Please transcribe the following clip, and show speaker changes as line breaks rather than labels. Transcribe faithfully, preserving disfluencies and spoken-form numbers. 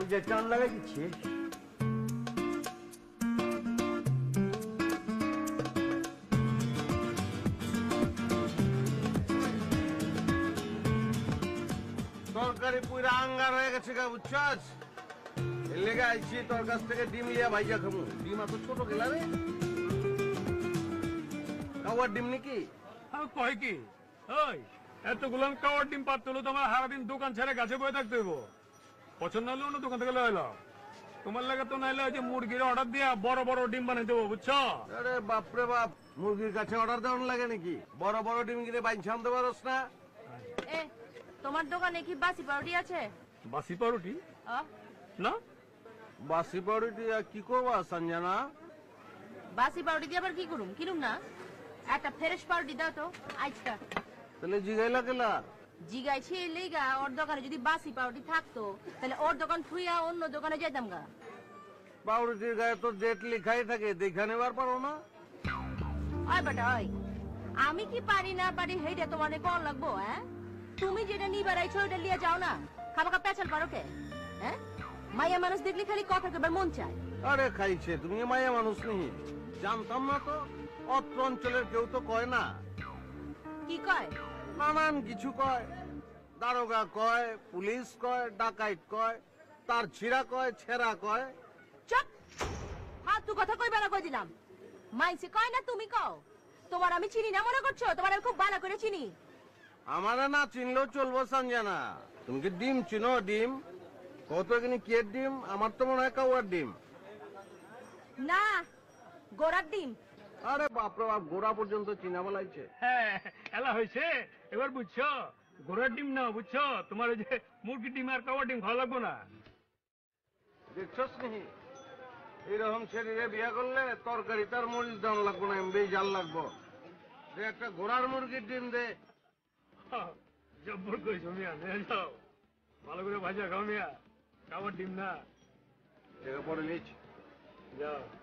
যে টান লাগাই দিচ্ছি। তরকারি পুরা আঙ্গার হয়ে গেছে গা, বুঝছস? এর লেগে আইছি তোর কাছ থেকে ডিম লিয়া ভাইজা খামু। ডিম এত ছোট গেলা রে, কাওয়ার ডিম নাকি?
কয় কি ওই এতগুলো কাওয়ার ডিম পাত হলো তোমার সারাদিন দোকান ছেড়ে গাছে বয়ে থাকতে হইব। পছন্দ হলে অন্য দোকান থেকে লইল। তোমার লাগে তো নাইলে যে মুরগির অর্ডার দিয়া বড় বড় ডিম বানাই দেবো, বুঝছো?
আরে বাপরে বাপ, মুরগির কাছে অর্ডার দেওয়ার লাগে নাকি? বড় বড় ডিম কিনে বাইন আনতে পারস না?
এ তোমার দোকানে কি বাসি পাউরুটি আছে?
বাসি পাউরুটি না?
বাসি পাউরুটি কি করবা সঞ্জনা?
বাসি পাউরুটি দিয়ে আবার কি করুম? কিনুম না, একটা ফ্রেশ পাউরুটি দাও তো আজকা।
তাহলে জিগাইলা কেলা?
জিগাইছি লেগা ওর দোকানে যদি বাসি পাউরুটি থাকতো তাহলে ওর দোকান থুইয়া অন্য দোকানে যেতাম গা।
পাউরুটির গায়ে তো ডেট লেখাই থাকে, দেখা নেবার পারো না?
ওই বেটা ওই, আমি কি পারি না পারি সেইটা তোমার কল লাগবো? হ্যাঁ, তুমি যেটা নিবার আইছো ওইটা লিয়ে যাও না। খাবাকা পেঁচাল পারো কে? হ্যাঁ, মাইয়া মানুষ দেখলে খালি কথা কেবার মন চায়।
আরে খাইছে, তুমি মায়া মানুষ নেই, জানতাম না তো। অত্র অঞ্চলের কেউ তো কয় না।
কি কয়?
নানান কিছু কয়। দারোগা কয়, পুলিশ কয়, ডাকাইত কয়, তার ছিড়া কয়, ছেঁড়া কয়।
চুপ! ফালতু কথা কইবা না কই দিলাম। মাইসে কয় না তুমি কও। তোমার আমি চিনি না মনে করছো? তোমার আমি খুব ভালো করে চিনি।
আমারে না চিনলেও চলবো সঞ্জনা। তুমি কি ডিম চিনো? ডিম কত এখানে কে ডিম? আমার তো মনে হয় কাউয়ার ডিম।
না, গোড়ার ডিম।
আরে বাপরে বাপ, গোড়া পর্যন্ত চিনা বলাইছে।
হ্যাঁ এলা হয়েছে, এবার বুঝছো? ঘোড়ার ডিম না, বুঝছো? তোমার ওই যে মুরগির ডিম আর কাওয়ার ডিম খাওয়া লাগবো না।
দেখছস নি, এইরকম শরীরে বিয়া করলে তরকারি তার মরিচ দাম লাগবো না, এমবি জাল লাগবো। যে একটা ঘোড়ার মুরগির ডিম দে।
জব্বর কইছো মিয়া, নিয়ে যাও ভালো করে ভাজা খাও মিয়া, কাওয়ার ডিম না।
পরে নিচ
যাও।